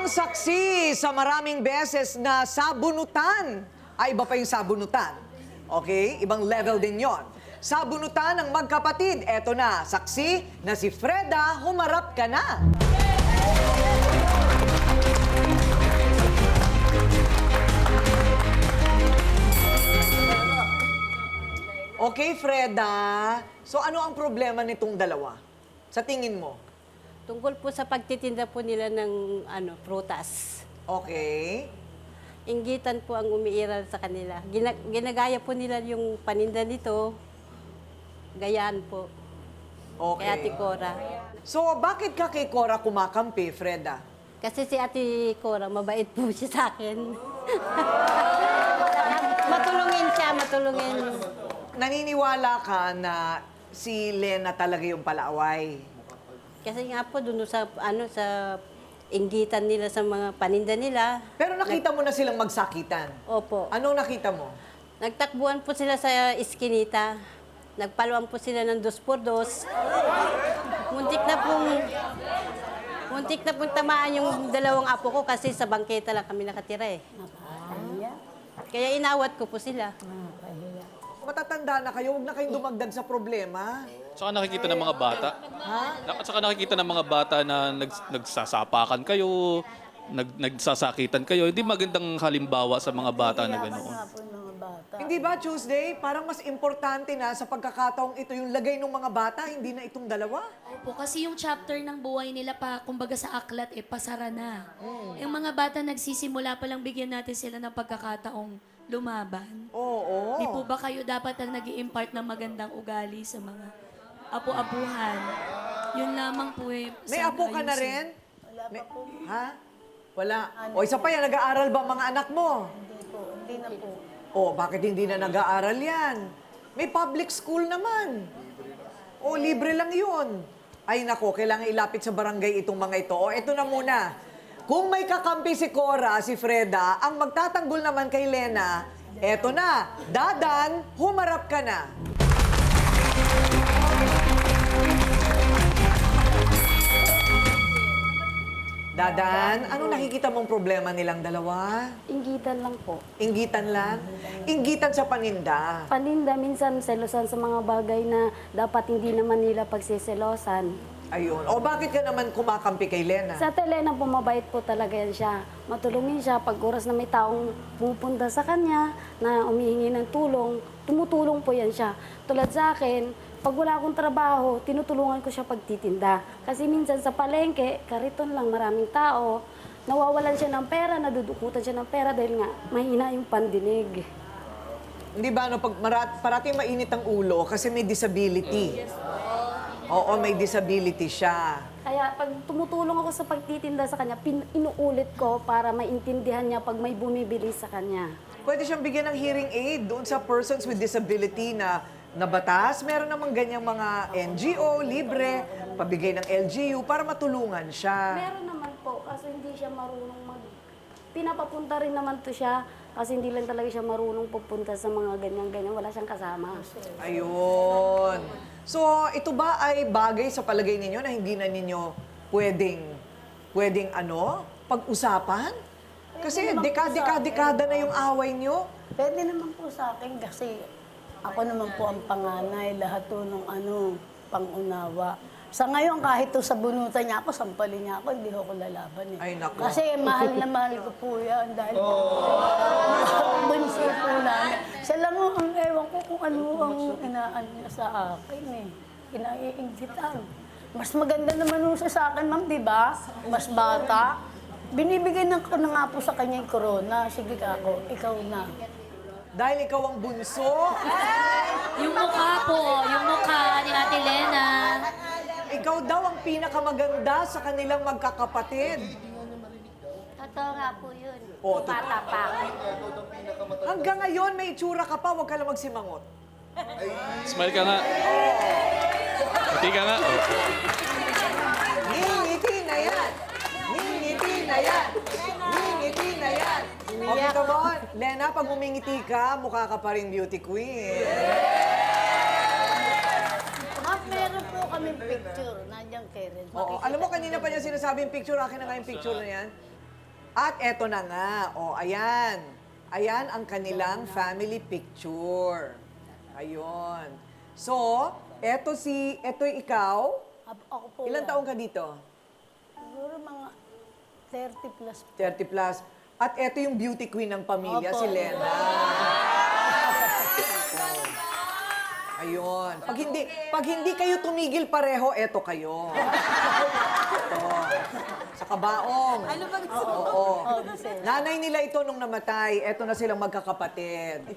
Ang saksi sa maraming beses na sabunutan, ay iba pa yung sabunutan. Okay? Ibang level din yon. Sabunutan ng magkapatid. Eto na, saksi na si Freda, humarap ka na. Okay, Freda. So ano ang problema nitong dalawa? Sa tingin mo? Tungkol po sa pagtitinda po nila ng prutas. Okay. Inggitan po ang umiiral sa kanila. Ginagaya po nila yung paninda nito. Gayaan po. Okay. Kay Ate Cora. So bakit ka kay Cora kumakampi, Freda? Kasi si Ate Cora, mabait po siya sa akin. Matulungin siya, matulungin. Naniniwala ka na si Lena talaga yung palaaway? Kasi nga po, dun sa inggitan nila sa mga paninda nila. Pero nakita mo na silang magsakitan. Opo. Anong nakita mo? Nagtakbuhan po sila sa iskinita. Nagpaluan po sila ng 2x2. Muntik na pong tamaan yung dalawang apo ko kasi sa bangketa lang kami nakatira eh. Kaya inawat ko po sila. Matatanda na kayo, huwag na kayong dumagdag sa problema. Saka nakikita ng mga bata. Ha? At saka nakikita ng mga bata na nagsasapakan kayo, nagsasakitan kayo. Hindi magandang halimbawa sa mga bata na ganoon. Hindi ba, Tuesday? Parang mas importante na sa pagkakataong ito yung lagay ng mga bata, hindi na itong dalawa? Opo, kasi yung chapter ng buhay nila pa, kumbaga sa aklat, pasara na. Yung mga bata nagsisimula pa lang bigyan natin sila ng pagkakataong lumaban. Oo. Di po ba kayo dapat ang nag-i-impart ng magandang ugali sa mga apo-apuhan? Yun lamang po eh. May sana apo ka na ayusin. rin? Ha? Wala. O isa pa yan, nag-aaral ba mga anak mo? Hindi na po. O, bakit hindi na nag-aaral yan? May public school naman. O, libre lang yun. Ay nako, kailangan ilapit sa barangay itong mga ito. O, eto na muna. Kung may kakampi si Cora, si Freda, ang magtatanggol naman kay Lena, eto na, Dadan, humarap ka na. Dadan, anong nakikita mong problema nilang dalawa? Inggitan lang po. Inggitan lang? Inggitan sa paninda. Paninda, minsan selosan sa mga bagay na dapat hindi naman nila pagsiselosan. Ayun. O bakit ka naman kumakampi kay Lena? Sa Telena po, mabait po talaga yan siya. Matulungin siya pag oras na may taong pumupunta sa kanya na umihingi ng tulong, tumutulong po yan siya. Tulad sa akin, pag wala akong trabaho, tinutulungan ko siya pagtitinda. Kasi minsan sa palengke, kariton lang, maraming tao, nawawalan siya ng pera, nadudukutan siya ng pera dahil nga mahina yung pandinig. Hindi ba, no, pag parating mainit ang ulo kasi may disability. Oo, may disability siya. Kaya pag tumutulong ako sa pagtitinda sa kanya, inuulit ko para maintindihan niya pag may bumibili sa kanya. Pwede siyang bigyan ng hearing aid doon sa persons with disability na batas. Meron namang ganyang mga NGO, libre, pabigay ng LGU para matulungan siya. Meron naman po, kasi hindi siya marunong Pinapapunta rin naman to siya, kasi hindi lang talaga siya marunong pupunta sa mga ganyan-ganyan. Wala siyang kasama. Ayun. So, ito ba ay bagay sa palagay ninyo na hindi na ninyo pwedeng pag-usapan? Kasi dekada na yung away nyo. Pwede naman po sa akin kasi ako naman po ang panganay, lahat to ng pangunawa. Sa ngayon, kahit to sa bunutan niya ako, sampalin niya ako, hindi ako lalaban eh. Ay, naku. Kasi mahal na mahal ko po yan dahil bunso po namin. Siya lang ang ewan ko kung ano ang inaan niya sa akin eh. Kinaiinggitan. Mas maganda naman nung siya sa akin, ma'am, di ba? Mas bata. Binibigyan ko na nga po sa kanya yung corona. Sige ako, ikaw na. Dahil ikaw ang bunso, Yung mukha po, yung mukha ni Ate Lena. ikaw daw ang pinakamaganda sa kanilang magkakapatid. Totoo nga po yun. Oo, Bata pa ako. Hanggang ngayon, may itsura ka pa, huwag ka lang magsimangot. Smile ka nga. Pati ka nga. Oh. Ngingiti na yan! Ngingiti na yan! Ngingiti na yan! Okay, come on. Lena, pag umingiti ka, mukha ka pa rin beauty queen. Ma'am, meron po kaming picture. Nandiyan kay Ren. Oo. Alam mo, kanina pa niya sinasabi yung picture. Akin na nga yung picture na yan. At eto na nga, ayan. Ayan ang kanilang family picture. Ayun. So, eto ikaw. Ako po Ilang yan. taong ka dito? Siguro mga 30 plus. 30 plus. At eto yung beauty queen ng pamilya, Opo. si Lena. Ayun. Pag hindi kayo tumigil pareho, eto kayo. Ito. Sa kabaong. Ano ba gusto mo? Oo. Nanay nila ito nung namatay. Eto na silang magkakapatid.